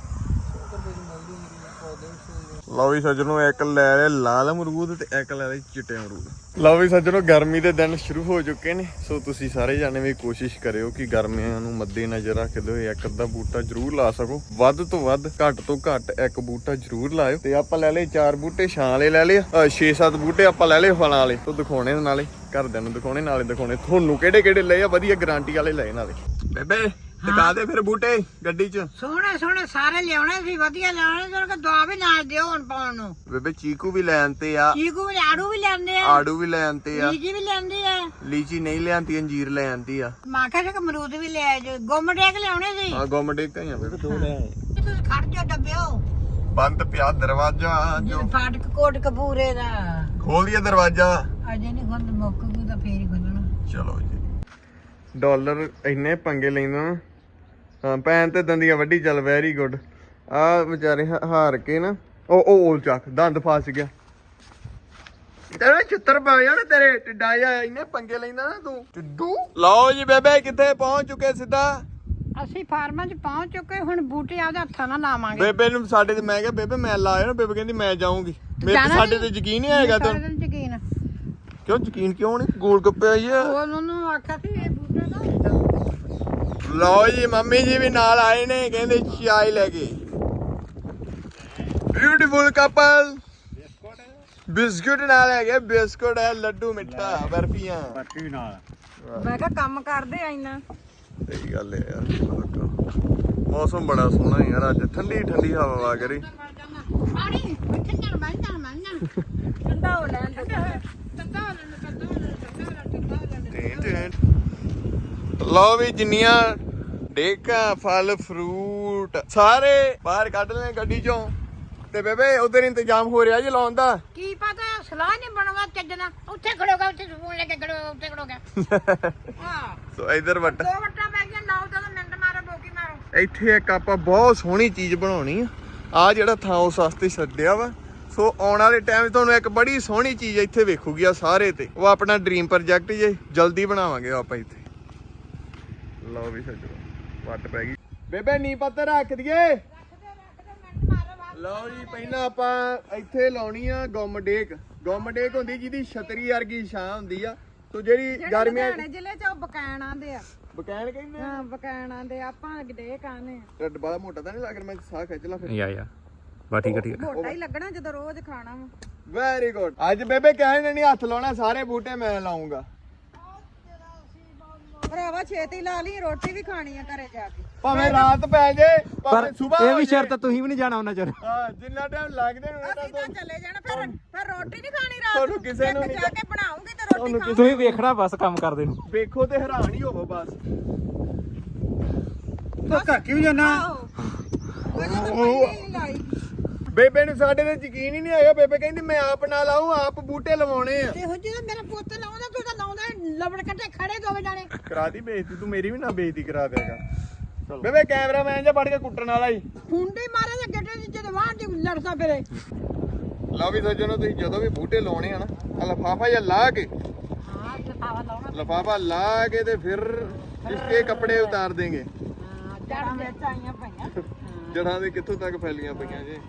A: ਲਓ ਵੀ ਸੱਜਣੋ ਇੱਕ ਲੈ ਲਿਆ ਲਾਲ ਅਮਰੂਦ ਤੇ ਇੱਕ ਲੈ ਲਿਆ ਚਿੱਟੇ ਅਮਰੂਦ। ਲਓ ਵੀ ਸੱਜਣੋ ਗਰਮੀ ਦੇ ਦਿਨ ਸ਼ੁਰੂ ਹੋ ਚੁੱਕੇ ਨੇ ਸੋ ਤੁਸੀਂ ਸਾਰੇ ਜਾਣੇ ਵੀ ਕੋਸ਼ਿਸ਼ ਕਰਿਓ ਕਿ ਗਰਮੀਆਂ ਨੂੰ ਮੱਦੇ ਨਜ਼ਰ ਰੱਖਦੇ ਹੋਏ ਇੱਕ ਅੱਧਾ ਬੂਟਾ ਜ਼ਰੂਰ ਲਾ ਸਕੋ। ਵੱਧ ਤੋਂ ਵੱਧ ਘੱਟ ਤੋਂ ਘੱਟ ਇੱਕ ਬੂਟਾ ਜ਼ਰੂਰ ਲਾਇਓ। ਤੇ ਆਪਾਂ ਲੈ ਲਏ 4 ਬੂਟੇ ਛਾਂ ਵਾਲੇ ਲੈ ਲਏ 6-7 ਬੂਟੇ ਆਪਾਂ ਲੈ ਲਏ ਫਲਾਂ ਵਾਲੇ ਤੋਂ ਦਿਖਾਉਣੇ ਨਾਲੇ ਘਰਦਿਆਂ ਨੂੰ ਦਿਖਾਉਣੇ ਨਾਲੇ ਦਿਖਾਉਣੇ ਤੁਹਾਨੂੰ ਕਿਹੜੇ ਲਏ ਆ ਵਧੀਆ ਗਾਰੰਟੀ ਵਾਲੇ ਲਏ ਨਾਲੇ। ਬੇਬੇ ਦਿਖਾ ਦੇ ਫਿਰ ਬੂਟੇ ਗੱਡੀ 'ਚ।
B: ਸੋਹਣੇ ਸਾਰੇ ਲਿਆਉਣੇ ਸੀ ਵਧੀਆ ਲਿਆਉਣੇ ਸੀ ਦਵਾ ਵੀ ਨਾਲ ਦਿਓ ਹੁਣ ਪਾਉਣ ਨੂੰ।
A: ਬੇਬੇ ਚੀਕੂ ਵੀ ਲੈ ਆਂਤੇ ਆ
B: ਚੀਕੂ ਵੀ ਆੜੂ ਵੀ ਲੈਂਦੇ ਆ
A: ਆੜੂ ਵੀ ਲੈ ਆਂਤੇ ਆ
B: ਲੀਚੀ ਵੀ ਲੈਂਦੇ ਆ
A: ਲੀਚੀ ਨਹੀਂ ਲਿਆਂਦੀ ਅੰਜੀਰ ਲੈ ਆਂਦੀ ਆ।
B: ਮੈਂ ਕਿਹਾ ਕਿ ਅਮਰੂਦ ਵੀ ਲੈ ਆਜੋ ਗੁੰਮ ਡੇਕ ਲਿਆਉਣੇ ਸੀ।
A: ਆ ਗੁੰਮਡੇ ਕਈਆਂ ਬੇਬੇ 2 ਲੈ ਆਏ।
B: ਤੁਸੀਂ ਖੜ ਜਾ ਡੱਬਿਓ
A: ਬੰਦ ਪਿਆ ਦਰਵਾਜ਼ਾ ਜੋ
B: ਫਾਟਕ ਕੋਟ ਕਪੂਰੇ ਦਾ
A: ਖੋਲ ਦਿਆ ਦਰਵਾਜ਼ਾ।
B: ਅਜੇ ਨਹੀਂ ਖੁੱਲ ਮੁੱਕ ਗੂ ਤਾਂ ਫੇਰ ਹੀ ਖੁੱਲਣਾ।
A: ਚਲੋ ਜੀ ਡਾਲਰ ਇੰਨੇ ਪੰਗੇ ਲੈਂਦਾ ਨਾ। ਹਾਂ ਭੈਣ ਤੇ ਦੰਦੀਆਂ ਵੱਡੀ ਚੱਲ ਵੈਰੀ ਗੁੱਡ। ਆ ਵਿਚਾਰੇ ਹਾਰ ਕੇ ਨਾ ਉਹ ਚੱਕ ਦੰਦ ਫਸ ਗਿਆ। ਤੇਰੇ ਚਿੱਤਰ ਪਾ ਜਾਣ ਤੇਰੇ ਟਿੱਡਾ ਜਾ ਇੰਨੇ ਪੰਗੇ ਲੈਂਦਾ ਨਾ ਤੂੰ ਟਿੱਡੂ। ਲਓ ਜੀ ਬੇਬੇ ਕਿੱਥੇ ਪਹੁੰਚ ਚੁੱਕੇ ਸਿੱਧਾ।
B: ਅਸੀਂ ਫਾਰਮਾਂ 'ਚ ਪਹੁੰਚ ਚੁੱਕੇ ਹੁਣ ਬੂਟੇ ਆਪਦੇ ਹੱਥਾਂ ਨਾਲ ਲਾਵਾਂਗੇ।
A: ਬੇਬੇ ਨੂੰ ਸਾਡੇ ਤੇ ਮੈਂ ਕਿਹਾ ਬੇਬੇ ਮੈਂ ਲਾਇਆ ਨਾ ਬੇਬੇ ਕਹਿੰਦੀ ਮੈਂ ਜਾਊਂਗੀ। ਮੇਰੇ ਸਾਡੇ ਤੇ ਯਕੀਨ ਨਹੀਂ ਆਏਗਾ ਤੈਨੂੰ।
B: ਯਕੀਨ
A: ਕਿਉਂ ਯਕੀਨ ਕਿਉਂ ਨਹੀਂ? ਗੋਲ ਗੱਪੇ ਆਈ ਆ।
B: ਉਹਨੂੰ ਆਖਿਆ ਸੀ ਇਹ ਬੂਟੇ ਦਾ।
A: ਲਓ ਜੀ ਮੰਮੀ ਜੀ ਵੀ ਨਾਲ ਆਏ ਨੇ ਕਹਿੰਦੇ ਚਾय ਲੈ ਕੇ। ਬਿਊਟੀਫੁਲ ਕਪਲ ਬਿਸਕੁਟ ਨਾਲ ਹੈਗੇ ਬਿਸਕੁਟ ਹੈ ਲੱਡੂ ਮਿੱਠਾ ਬਰਫੀਆਂ
D: ਬਾਕੀ ਨਾਲ।
C: ਮੈਂ ਕਿਹਾ ਕੰਮ ਕਰਦੇ ਆ ਇੰਨਾ।
A: ਸਹੀ ਗੱਲ ਹੈ ਯਾਰ ਮੌਸਮ ਬੜਾ ਸੋਹਣਾ ਯਾਰ ਅੱਜ ਠੰਡੀ ਹਵਾ ਵਾ ਕਰੀ।
B: ਪਾਣੀ ਠੰਡਾ ਬਣ
C: ਠੰਡਾ ਹੋ ਲੈਣ
A: ਲਓ ਵੀ ਜਿੰਨੀਆਂ ਡੇਕਾਂ ਫਲ ਫਰੂਟ ਸਾਰੇ ਬਾਹਰ ਕੱਢ ਲੈ ਗੱਡੀ ਚੋਂ। ਤੇ ਬੇਬੇ ਉਧਰ ਇੰਤਜ਼ਾਮ ਹੋ ਰਿਹਾ ਜੀ ਲਾਉਣ ਦਾ।
B: ਕੀ ਪਤਾ ਸਲਾਹ ਨਹੀਂ ਬਣਵਾ ਚੱਜਣਾ ਉੱਥੇ ਖੜੋਗਾ ਉੱਥੇ ਫੋਨ ਲੈ ਕੇ ਖੜੋਗਾ ਉੱਥੇ ਖੜੋਗਾ। ਹਾਂ
A: ਸੋ ਇਧਰ ਵੱਟ
B: 2 ਵਟਾਂ ਪੈ ਗਈਆਂ ਲਾਓ ਤਾਂ ਮਿੰਟ ਮਾਰੋ ਬੋਕੀ ਮਾਰੋ।
A: ਇੱਥੇ ਇੱਕ ਆਪਾਂ ਬਹੁਤ ਸੋਹਣੀ ਚੀਜ਼ ਬਣਾਉਣੀ ਆ ਜਿਹੜਾ ਥਾਂ ਉਸ ਵਾਸਤੇ ਛੱਡਿਆ ਵਾ। ਸੋ ਆਉਣ ਵਾਲੇ ਟਾਈਮ ਤੁਹਾਨੂੰ ਇੱਕ ਬੜੀ ਸੋਹਣੀ ਚੀਜ਼ ਇੱਥੇ ਵੇਖੂਗੀ ਆ ਸਾਰੇ ਤੇ। ਉਹ ਆਪਣਾ ਡ੍ਰੀਮ ਪ੍ਰੋਜੈਕਟ ਜੇ ਜਲਦੀ ਬਣਾਵਾਂਗੇ ਆਪਾਂ ਇੱਥੇ। ਲਓ ਵੀ ਸੱਜਣੋ ਵੱਟ ਪੈ ਗਈ। ਬੇਬੇ ਨੀ ਪੱਤਰ ਰੱਖ ਦਈਏ। ਲਓ ਜੀ ਪਹਿਲਾਂ ਆਪਾਂ ਇੱਥੇ ਲਾਉਣੀ ਆ ਗੁੰਮ ਡੇਕ ਹੁੰਦੀ ਜਿਹਦੀ ਛਤਰੀ ਵਰਗੀ ਛਾਂ ਹੁੰਦੀ ਆ। ਸੋ ਜਿਹੜੀ ਗਰਮੀਆਂ
C: ਜ਼ਿਲ੍ਹੇ ਚ ਉਹ ਬਕੈਣ ਆਂਦੇ ਆ।
A: ਬਕੈਣ ਕਹਿੰਦੇ ਆ।
C: ਹਾਂ ਬਕੈਣ ਆਂਦੇ ਆਪਾਂ ਡੇਕ ਆਨੇ ਆ।
A: ਢਿੱਡ ਬੜਾ ਮੋਟਾ ਤਾਂ ਨਹੀਂ ਲੱਗ ਰਿਹਾ? ਮੈਂ ਸਾਹ ਖਿੱਚ ਲਾ ਫਿਰ।
D: ਯਾ ਬਾ ਠੀਕ ਹੈ
C: ਮੋਟਾ ਹੀ ਲੱਗਣਾ ਜਦੋਂ ਰੋਜ਼ ਖਾਣਾ ਵਾ।
A: Very good. ਅੱਜ ਬੇਬੇ ਕਹਿਣ ਨਹੀਂ ਹੱਥ ਲਾਉਣਾ ਸਾਰੇ ਬੂਟੇ ਮੈਂ ਲਾਉਂਗਾ।
C: ਭਰਾਵਾ ਛੇਤੀ ਲਾ ਲਈ ਰੋਟੀ ਵੀ ਖਾਣੀ ਆ ਘਰੇ ਜਾ ਕੇ।
A: ਭਾਵੇਂ ਰਾਤ ਪੈ ਜੇ ਭਾਵੇਂ ਸਵੇਰ
D: ਇਹ ਵੀ ਸ਼ਰਤ ਤੁਸੀਂ ਵੀ ਨਹੀਂ ਜਾਣਾ ਉਹਨਾਂ ਚਿਰ
A: ਹਾਂ ਜਿੰਨਾ ਟਾਈਮ ਲੱਗਦੇ ਨੇ
C: ਅਸੀਂ ਤਾਂ ਚਲੇ ਜਾਣਾ ਫਿਰ ਰੋਟੀ ਨਹੀਂ ਖਾਣੀ ਰਾਤ
A: ਤੁਹਾਨੂੰ ਕਿਸੇ ਨੂੰ
C: ਇੱਕ
A: ਨਹੀਂ
C: ਜਾ ਕੇ ਬਣਾਉਂਗੀ ਤੇ ਰੋਟੀ
A: ਤੁਹਾਨੂੰ
C: ਖਾਵਾਂਗੀ।
D: ਤੁਸੀਂ ਵੇਖਣਾ ਬਸ ਕੰਮ ਕਰਦੇ ਨੂੰ
A: ਵੇਖੋ ਤੇ ਹੈਰਾਨ ਹੀ ਹੋਵੋ ਬਸ
E: ਧੋਖਾ ਕਿਉਂ ਜਾਣਾ
C: ਆਹੋ ਮੈਂ ਤਾਂ ਪਹਿਲੇ ਹੀ ਲਾਈ
A: ਬੇਬੇ ਨੂੰ ਸਾਡੇ ਤੇ ਯਕੀਨ ਹੀ ਨਹੀਂ ਆਇਆ ਬੇਬੇ ਕਹਿੰਦੀ ਮੈਂ ਆਪ ਨਾਲ ਆਉਂ ਆਪ ਬੂਟੇ ਲਵਾਉਣੇ ਆ
B: ਤੇ ਹੋ ਜਿਹੜਾ ਮੇਰਾ ਪੁੱਤ ਲਾਉਂਦਾ ਤੂੰ ਤਾਂ ਲਾਉਂਦਾ ਲਵੜ ਕੱਟੇ ਖੜੇ ਦੋਵੇਂ ਜਾਣੇ
A: ਕਰਾ ਦੀ ਬੇਇੱਜ਼ਤੀ ਤੂੰ ਮੇਰੀ ਵੀ ਨਾ ਬੇਇੱਜ਼ਤੀ ਕਰਾ ਦੇਗਾ ਬੇਬੇ ਕੈਮਰਾਮੈਨ ਜਾਂ ਫੜ ਕੇ ਕੁੱਟਣ ਵਾਲਾ ਹੀ
B: ਖੁੰਡੇ ਮਾਰੇ ਤਾਂ ਗੱਡੇ ਦੀ ਜਦ ਵਾਹ ਦੀ ਲੜਦਾ ਫਿਰੇ
A: ਲਓ ਵੀ ਸੱਜਣੋ ਤੁਸੀਂ ਜਦੋਂ ਵੀ ਬੂਟੇ ਲਾਉਣੇ ਆ ਨਾ ਆ ਲਫਾਫਾ ਜਾਂ ਲਾ ਕੇ
B: ਹਾਂ ਜਫਾਵਾ ਲਾਉਣਾ
A: ਲਫਾਫਾ ਲਾ ਕੇ ਤੇ ਫਿਰ ਇਸਕੇ ਕੱਪੜੇ ਉਤਾਰ ਦੇਂਗੇ
B: ਜੜਾਂ ਵਿੱਚ ਆਈਆਂ ਪਈਆਂ
A: ਜੜਾਂ ਦੇ ਕਿੱਥੋਂ ਤੱਕ ਫੈਲੀਆਂ ਪਈਆਂ ਜੀ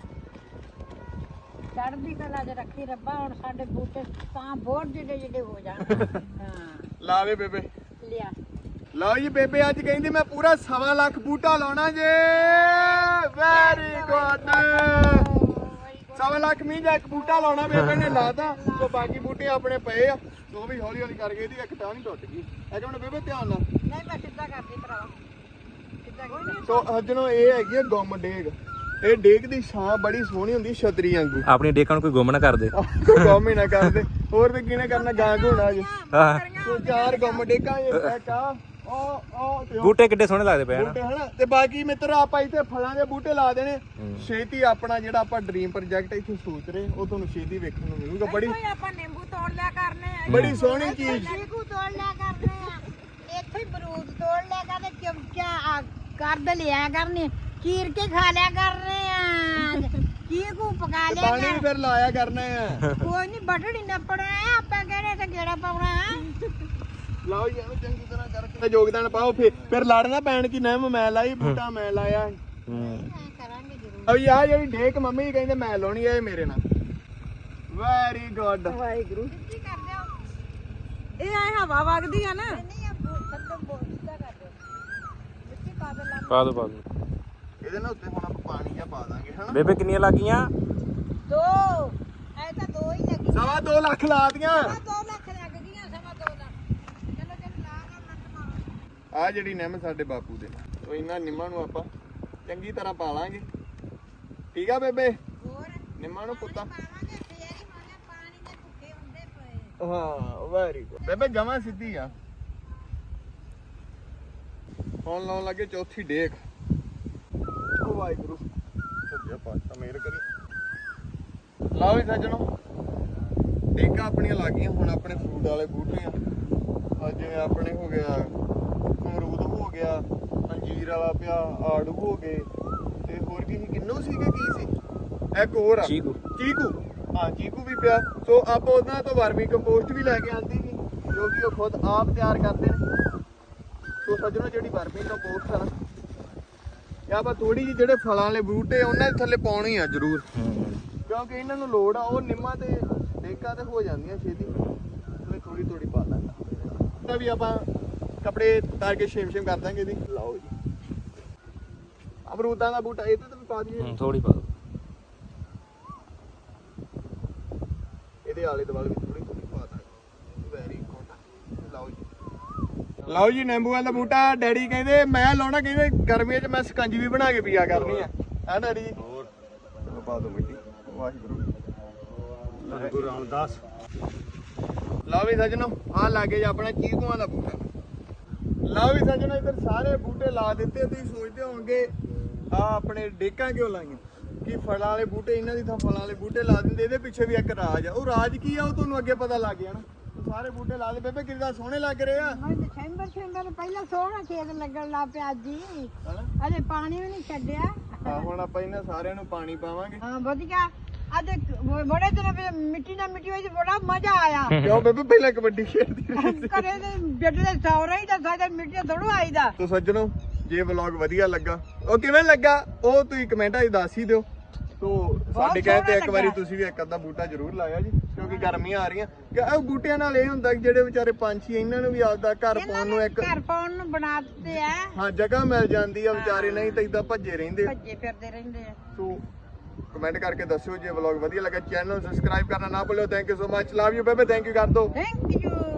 B: ਚੜ੍ਹਦੀ ਕਲਾ 'ਚ ਰੱਖੀ ਰੱਬਾ ਹੁਣ ਸਾਡੇ ਬੂਟੇ ਤਾਂ ਬਹੁਤ ਜਿਹੜੇ ਹੋ ਜਾਣ ਹਾਂ
A: ਲਾਵੇ ਬੇਬੇ
B: ਲਿਆ
A: ਲਓ ਜੀ ਬੇਬੇ ਅੱਜ ਕਹਿੰਦੀ ਮੈਂ ਪੂਰਾ 1.25 ਲੱਖ ਬੂਟਾ ਲਾਉਣਾ ਜੇ ਵੈਰੀ ਗੁੱਡ 1.25 ਲੱਖ ਮੀਂਹ ਦਾ ਇੱਕ ਬੂਟਾ ਲਾਉਣਾ ਬੇਬੇ ਨੇ ਲਾਤਾ ਸੋ ਬਾਕੀ ਬੂਟੇ ਆਪਣੇ ਪਏ ਆ ਉਹ ਵੀ ਹੌਲੀ ਹੌਲੀ ਕਰਕੇ ਇਹਦੀ ਇੱਕ ਟਾਂ ਨਹੀਂ ਟੁੱਟ ਗਈ ਇਹ ਹੁਣ ਬੇਬੇ ਧਿਆਨ ਨਾਲ
B: ਨਹੀਂ ਮੈਂ ਸਿੱਧਾ ਕਰਦੀ ਭਰਾਵਾ ਸਿੱਧਾ ਕਰਦੀ
A: ਸੋ ਸੱਜਣੋ ਇਹ ਹੈਗੀ ਹੈ ਗੁੰਮ ਡੇਗ ਇਹ ਡੇਗ ਦੀ ਛਾਂ ਬੜੀ ਸੋਹਣੀ ਹੁੰਦੀ ਛਤਰੀ ਵਾਂਗੂ
D: ਆਪਣੀ ਡੇਕਾਂ ਨੂੰ ਕੋਈ ਗੁੰਮ ਨਾ ਕਰਦੇ
A: ਕੋਈ ਗੁੰਮ ਹੀ ਨਾ ਕਰਦੇ ਹੋਰ ਤੇ ਕਿਹਨੇ ਕਰਨਾ ਗਾਂ ਘੋਣਾ ਜੀ
D: ਹਾਂ
A: ਸੋ 4 ਗੁੰਮ ਡੇਗਾਂ ਇੱਕ ਆ ਉਹ ਤੇ ਉਹ
D: ਬੂਟੇ ਕਿੱਡੇ ਸੋਹਣੇ ਲੱਗਦੇ ਪਏ ਹਨ
A: ਬੂਟੇ ਹਨਾ ਤੇ ਬਾਕੀ ਮਿੱਤਰੋ ਆਪਾਂ ਇੱਥੇ ਫਲਾਂ ਦੇ ਬੂਟੇ ਲਾ ਦੇਣੇ ਛੇਤੀ ਆਪਣਾ ਜਿਹੜਾ ਆਪਾਂ ਡ੍ਰੀਮ ਪ੍ਰੋਜੈਕਟ ਇੱਥੇ ਸੋਚ ਰਹੇ ਉਹ ਤੁਹਾਨੂੰ ਛੇਤੀ ਵੇਖਣ ਨੂੰ ਮਿਲੂਗਾ ਬੜੀ
C: ਕੋਈ ਆਪਾਂ ਨਿੰਬੂ ਤੋੜ ਲਿਆ ਕਰਨੇ ਆ
A: ਬੜੀ ਸੋਹਣੀ ਚੀਜ਼
B: ਚੀਕੂ ਤੋੜ ਲਿਆ ਕਰਨੇ ਆ ਇੱਥੇ ਹੀ ਬਰੂਦ ਤੋੜ ਲਿਆ ਕਰਨੇ ਚਮਚਾ ਕਰਦ ਲਿਆ ਕਰਨੇ ਚੀਰ ਕੇ ਖਾ ਲਿਆ ਕਰਨੇ ਆ ਚੀਕੂ ਪਕਾ ਲਿਆ
A: ਪਾਣੀ ਵੀ ਫਿਰ ਲਾਇਆ ਕਰਨਾ ਆ
B: ਕੋਈ ਨਹੀਂ ਬਟੜੀ ਨੱਪਣਾ ਆਪਾਂ ਕਹਿੰਦੇ ਤੇ ਗੇੜਾ ਪਾਉਣਾ
A: ਲਾਓ ਜੀ ਇਹਨੂੰ ਚੰਗੀ ਤਰ੍ਹਾਂ ਕਰਕੇ ਯੋਗਦਾਨ ਪਾਓ ਫਿਰ ਲੜਨਾ ਪੈਣ ਕਿ ਨਾ ਮੈਂ ਲਾਈ ਬੂਟਾ ਮੈਂ ਲਾਇਆ
B: ਕਰਾਂਗੇ ਜ਼ਰੂਰ
A: ਅਬ ਯਾਰ ਜਿਹੜੀ ਡੇਕ ਮੰਮੀ ਕਹਿੰਦੇ ਮੈਂ ਲਾਉਣੀ ਆ ਇਹ ਮੇਰੇ ਨਾਲ ਵੈਰੀ ਗੁੱਡ
C: ਵਾਹਿਗੁਰੂ
B: ਕੀ ਕਰਦੇ ਹੋ
C: ਇਹ ਐ ਹਵਾ ਵਗਦੀ ਆ ਨਾ
B: ਨਹੀਂ ਆ ਖਤਮ ਬੋਲ ਸਿੱਧਾ ਕਰ ਦਿਓ ਮਿੱਟੀ ਪਾ ਦੇ ਲਾ
D: ਪਾ ਦੋ
A: ਇਹਦੇ ਨਾਲ ਉੱਤੇ ਹੁਣ ਆਪਾਂ ਪਾਣੀ ਜਾਂ ਪਾ ਦਾਂਗੇ ਹਨਾ
D: ਬੇਬੇ ਕਿੰਨੀਆਂ ਲੱਗੀਆਂ
B: ਦੋ ਐ ਤਾਂ ਦੋ ਹੀ ਲੱਗੀ
A: 2.5 ਲੱਖ ਲਾ ਦੀਆਂ
B: 2 ਲੱਖ ਲੱਗ ਗਈਆਂ 2.5 ਲੱਖ ਚਲੋ ਚਲ ਲਾ ਕੇ ਲੱਟ ਮਾਰੋ
A: ਆ ਜਿਹੜੀ ਨਿੰਮ ਸਾਡੇ ਬਾਪੂ ਦੇ ਉਹ ਇਹਨਾਂ ਨਿੰਮਾਂ ਨੂੰ ਆਪਾਂ ਚੰਗੀ ਤਰ੍ਹਾਂ ਪਾ ਲਾਂਗੇ ਠੀਕ ਆ ਬੇਬੇ
B: ਹੋਰ
A: ਨਿੰਮਾਂ ਨੂੰ ਪੁੱਤਾ
B: ਪਾਵਾਂਗੇ ਫੇਰ ਹੀ ਮਾਨੇ ਪਾਣੀ ਦੇ ਭੁੱਖੇ ਹੁੰਦੇ ਪਏ
A: ਹਾਂ ਵੈਰੀ ਗੁੱਡ ਬੇਬੇ ਜਮਾਂ ਸਿੱਧੀ ਆ ਹੁਣ ਲਾਉਣ ਲੱਗੇ ਚੌਥੀ ਡੇਕ ਓ ਵਾਹਿਗੁਰੂ ਸੱਜਾ ਪਾਤਸ਼ਾਹ ਮਿਹਰ ਕਰੀ ਲਾਓ ਵੀ ਸੱਜਣੋ ਡੇਕਾਂ ਆਪਣੀਆਂ ਲੱਗੀਆਂ ਹੁਣ ਆਪਣੇ ਫਰੂਟ ਵਾਲੇ ਬੂਟੇ ਆ ਜਿਵੇਂ ਆਪਣੇ ਹੋ ਗਿਆ ਅਮਰੂਦ ਹੋ ਗਿਆ ਅੰਜੀਰ ਵਾਲਾ ਪਿਆ ਆੜੂ ਹੋ ਗਏ ਤੇ ਹੋਰ ਕੀ ਸੀ ਕਿੰਨੂ ਸੀਗੇ ਕੀ ਸੀ ਇੱਕ ਹੋਰ ਆ
D: ਚੀਕੂ
A: ਹਾਂ ਚੀਕੂ ਵੀ ਪਿਆ ਸੋ ਆਪਾਂ ਉਹਨਾਂ ਤੋਂ ਵਰਮੀ ਕੰਪੋਸਟ ਵੀ ਲੈ ਕੇ ਆਂਦੀ ਸੀ ਜੋ ਕਿ ਉਹ ਖੁਦ ਆਪ ਤਿਆਰ ਕਰਦੇ ਨੇ ਸੋ ਸੱਜਣੋ ਜਿਹੜੀ ਵਰਮੀ ਕੰਪੋਸਟ ਆ ਨਾ ਇਹ ਆਪਾਂ ਥੋੜੀ ਜਿਹੀ ਜਿਹੜੇ ਫਲਾਂ ਵਾਲੇ ਬੂਟੇ ਉਹਨਾਂ ਦੇ ਥੱਲੇ ਪਾਉਣੀ ਆ ਜ਼ਰੂਰ ਕਿਉਂਕਿ ਇਹਨਾਂ ਨੂੰ ਲੋੜ ਆ ਉਹ ਨਿੰਮਾਂ ਤੇ ਡੇਕਾਂ ਤੇ ਹੋ ਜਾਂਦੀਆਂ ਛੇਤੀ ਥੋੜੀ ਥੋੜੀ ਪਾ ਲਾਂਗਾ ਤਾਂ ਵੀ ਆਪਾਂ ਕੱਪੜੇ ਉਤਾਰ ਕੇ ਛੇਮ ਕਰ ਦਾਂਗੇ ਇਹਦੀ ਲਾਓ ਜੀ ਅਮਰੂਦਾਂ ਦਾ ਬੂਟਾ ਇਹ ਤੇ ਵੀ ਪਾ ਦਈਏ
D: ਥੋੜੀ ਪਾ ਦੋ
A: ਇਹਦੇ ਆਲੇ ਦੁਆਲੇ ਵੀ ਥੋੜੀ ਥੋੜੀ ਪਾ ਦਾਂਗੇ ਵੈਰੀ ਗੁੱਡ ਲਓ ਜੀ ਨਿੰਬੂ ਵਾਲਾ ਬੂਟਾ ਡੈਡੀ ਕਹਿੰਦੇ ਮੈਂ ਲਾਉਣਾ ਕਹਿੰਦੇ ਗਰਮੀਆਂ 'ਚ ਮੈਂ ਸਕੰਜੀ ਵੀ ਬਣਾ ਕੇ ਪੀਆ ਕਰਨੀ ਆ ਹੈ ਡੈਡੀ ਹੋਰ ਪਾ ਦੋ ਮਿੱਟੀ ਵਾਹਿਗੁਰੂ
E: ਗੁਰੂ ਰਾਮਦਾਸ
A: ਲਓ ਵੀ ਸੱਜਣੋ ਆਹ ਲਾਗੇ ਜੀ ਆਪਣਾ ਚੀਕੂਆਂ ਦਾ ਬੂਟਾ ਲਓ ਵੀ ਸੱਜਣੋ ਇੱਧਰ ਸਾਰੇ ਬੂਟੇ ਲਾ ਦਿੱਤੇ ਤੁਸੀਂ ਸੋਚਦੇ ਹੋਵੋਗੇ ਆ ਆਪਣੇ ਡੇਕਾਂ ਕਿਉਂ ਲਾਈਆਂ ਕਿ ਫਲਾਂ ਵਾਲੇ ਬੂਟੇ ਇਹਨਾਂ ਦੀ ਤਾਂ ਫਲਾਂ ਵਾਲੇ ਬੂਟੇ ਲਾ ਦਿੰਦੇ ਇਹਦੇ ਪਿੱਛੇ ਵੀ ਇੱਕ ਰਾਜ ਆ ਉਹ ਰਾਜ ਕੀ ਆ ਉਹ ਤੁਹਾਨੂੰ ਅੱਗੇ ਪਤਾ ਲੱਗ ਗਿਆ ਨਾ ਸਾਰੇ ਬੂਟੇ ਲਾ ਦੇ ਬੇਬੇ ਕਿੰਨਾ ਸੋਹਣੇ ਲੱਗ ਰਹੇ ਆ
B: ਦਸੰਬਰ ਪਹਿਲਾਂ ਸੋਹਣਾ ਖੇਤ ਲੱਗਣ ਲੱਗ ਪਿਆ ਜੀ
A: ਹਨਾ
B: ਅਜੇ ਪਾਣੀ ਵੀ ਨਹੀਂ ਛੱਡਿਆ
A: ਹਾਂ ਹੁਣ ਆਪਾਂ ਇਹਨਾਂ ਸਾਰਿਆਂ ਨੂੰ ਪਾਣੀ ਪਾਵਾਂਗੇ
B: ਹਾਂ ਵਧੀਆ ਅੱਜ ਬੜੇ ਦਿਨ ਪਹਿਲਾਂ ਮਿੱਟੀ ਨਾਲ ਮਿੱਟੀ ਵਿੱਚ ਬੜਾ ਮਜ਼ਾ ਆਇਆ
A: ਕਿਉਂ ਬੇਬੇ ਪਹਿਲਾਂ ਕਬੱਡੀ ਖੇਡਦੀ ਰਹੀ
B: ਘਰੇ ਦੇ ਬੈੱਡ ਦੇ ਸੌਰਾ ਹੀ ਤਾਂ ਸਾਡੇ ਮਿੱਟੀ ਥੋੜੋ ਆਈਦਾ
A: ਤੋ ਸੱਜਣੋ ਜੇ ਵਲੌਗ ਵਧੀਆ ਲੱਗਾ ਉਹ ਕਿਵੇਂ ਲੱਗਾ ਉਹ ਤੁਸੀਂ ਕਮੈਂਟਾਂ 'ਚ ਦੱਸ ਹੀ ਦਿਓ ਤੋ ਸਾਡੇ ਕਹੇ ਤੇ ਇੱਕ ਵਾਰੀ ਤੁਸੀਂ ਵੀ ਇੱਕ ਅੱਧਾ ਬੂਟਾ ਜ਼ਰੂਰ ਲਾਇਆ ਜੀ ਕਿਉਂਕਿ ਗਰਮੀਆਂ ਆ ਰਹੀਆਂ ਕਿ ਉਹ ਬੂਟਿਆਂ ਨਾਲ ਇਹ ਹੁੰਦਾ ਕਿ ਜਿਹੜੇ ਵਿਚਾਰੇ ਪੰਛੀ ਇਹਨਾਂ ਨੂੰ ਵੀ ਆਪਦਾ ਘਰ ਪਾਉਣ ਨੂੰ ਇੱਕ
B: ਘਰ ਪਾਉਣ ਨੂੰ ਬਣਾ ਦਿੱਤੇ ਆ
A: ਹਾਂ ਜਗ੍ਹਾ ਮਿਲ ਜਾਂਦੀ ਆ ਵਿਚਾਰੇ ਨਹੀਂ ਤਾਂ ਇਦਾਂ ਭੱਜੇ ਰਹਿੰਦੇ
B: ਭੱਜੇ ਫਿਰਦੇ ਰਹਿੰਦੇ ਆ
A: ਸੋ ਕਮੈਂਟ ਕਰਕੇ ਦੱਸਿਓ ਜੇ ਵਲੌਗ ਵਧੀਆ ਲੱਗਾ ਚੈਨਲ ਸਬਸਕ੍ਰਾਈਬ ਕਰਨਾ ਨਾ ਭੁੱਲਿਓ thank you so much love you ਬੇਬੇ ਥੈਂਕ ਯੂ ਕਰ ਦੋ
B: ਥੈਂਕ ਯੂ